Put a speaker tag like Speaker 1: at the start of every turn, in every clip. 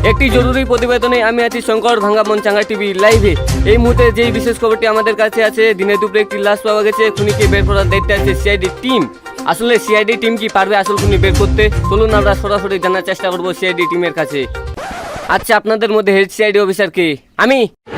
Speaker 1: একটি জরুরি প্রতিবেদনে আমি আছি শঙ্কর ভাঙ্গা মনচাঙ্গা টিভি লাইভে। এই মুহূর্তে যেই বিশেষ খবরটি আমাদের কাছে আছে, দিনে দুপুরে একটি লাশ পাওয়া গেছে। খুনিকে বের করার দায়িত্বে আছে সিআইডি টিম। আসলে সিআইডি টিম কি পারবে আসল খুনি বের করতে? চলুন আমরা সরাসরি জানার চেষ্টা করবো সিআইডি টিমের কাছে। আচ্ছা, আপনাদের মধ্যে হেড সিআইডি অফিসার কে? আমি।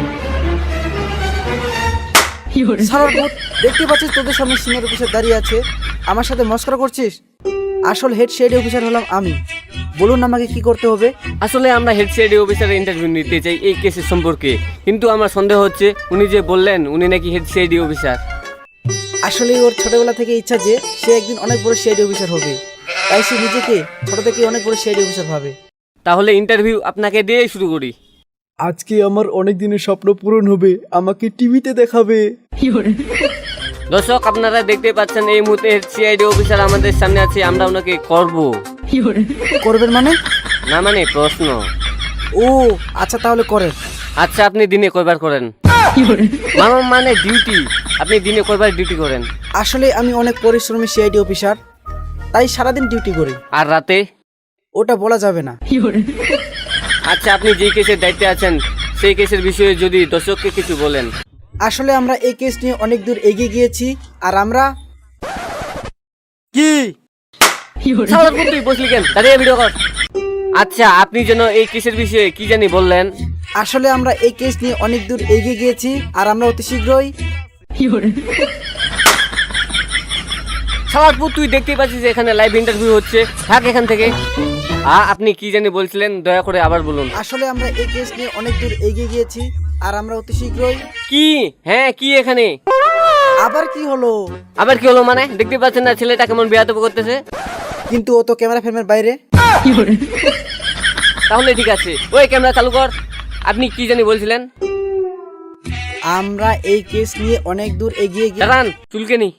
Speaker 2: দেখতে পাচ্ছিস তোদের সামনে সিনিয়র অফিসার দাঁড়িয়ে আছে, আমার সাথে মস্করা করছিস? আসল হেড সিআইডি অফিসার হলাম আমি। বলুন আমাকে কি করতে হবে?
Speaker 1: আসলে আমরা হেড সিআইডি অফিসারের ইন্টারভিউ নিতে চাই এই কেসের সম্পর্কে, কিন্তু আমার সন্দেহ হচ্ছে উনি যে বললেন উনি নাকি হেড সিআইডি অফিসার।
Speaker 2: আসলে ওর ছোটবেলা থেকে ইচ্ছা যে সে একদিন অনেক বড় সিআইডি অফিসার হবে, তাই সে নিজেকে ছোট থেকে অনেক বড় সিআইডি অফিসার ভাবে।
Speaker 1: তাহলে ইন্টারভিউ আপনাকে দিয়েই শুরু করি।
Speaker 2: আজকে আমার অনেক দিনের স্বপ্ন পূরণ হবে, আমাকে টিভিতে দেখাবে।
Speaker 1: দর্শক, আপনারা দেখতে পাচ্ছেন এই মুহূর্তে সিআইডি অফিসার আমাদের সামনে আছে। আমরা ওনাকে করব।
Speaker 2: করবেন মানে?
Speaker 1: না মানে প্রশ্ন।
Speaker 2: ও আচ্ছা, তাহলে করেন।
Speaker 1: আচ্ছা, আপনি দিনে কয়বার করেন? মামা মানে ডিউটি। আপনি দিনে কয়বার ডিউটি করেন?
Speaker 2: আসলে আমি অনেক পরিশ্রমী সিআইডি অফিসার, তাই সারাদিন ডিউটি করি।
Speaker 1: আর রাতে?
Speaker 2: ওটা বলা যাবে না।
Speaker 1: আচ্ছা, আপনি যে কেসের দায়িত্বে আছেন সেই কেসের বিষয়ে যদি দর্শককে কিছু বলেন।
Speaker 2: আসলে আমরা এই কেস নিয়ে অনেক দূর এগিয়ে গিয়েছি, আর আমরা কি
Speaker 1: তুই বসলি কেন? দাঁড়িয়ে ভিডিও কর। আচ্ছা, আপনি যেন এই কেসের বিষয়ে কি জানি বললেন।
Speaker 2: আসলে আমরা এই কেস নিয়ে অনেক দূর এগিয়ে গিয়েছি, আর আমরা অতি শীঘ্রই
Speaker 1: সালারপুর, তুই দেখতেই পাচ্ছিস এখানে লাইভ ইন্টারভিউ হচ্ছে। থাক এখান থেকে। আপনি কি জানি বলছিলেন, দয়া করে আবার বলুন।
Speaker 2: আসলে আমরা এই কেস নিয়ে অনেক দূর এগিয়ে গিয়েছি, আর আমরা অতি শীঘ্রই
Speaker 1: কি? হ্যাঁ, কি এখানে
Speaker 2: আবার কি হলো?
Speaker 1: আবার কি হলো মানে? দেখতে পাচ্ছেন না ছেলেটা কেমন বেয়াদবি করতেছে?
Speaker 2: কিন্তু ও তো ক্যামেরা ফ্রেমের বাইরে।
Speaker 1: তাহলে ঠিক আছে, ওই ক্যামেরা চালু কর। আপনি কি জানি বলছিলেন?
Speaker 2: আমরা এই কেস নিয়ে অনেক দূর এগিয়ে গিয়ে
Speaker 1: দাঁড়ান, চুলকে নি।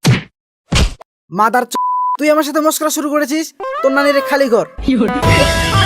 Speaker 2: মাদার তুই আমার সাথে মস্করা শুরু করেছিস? তোর নানিরে খালি ঘর।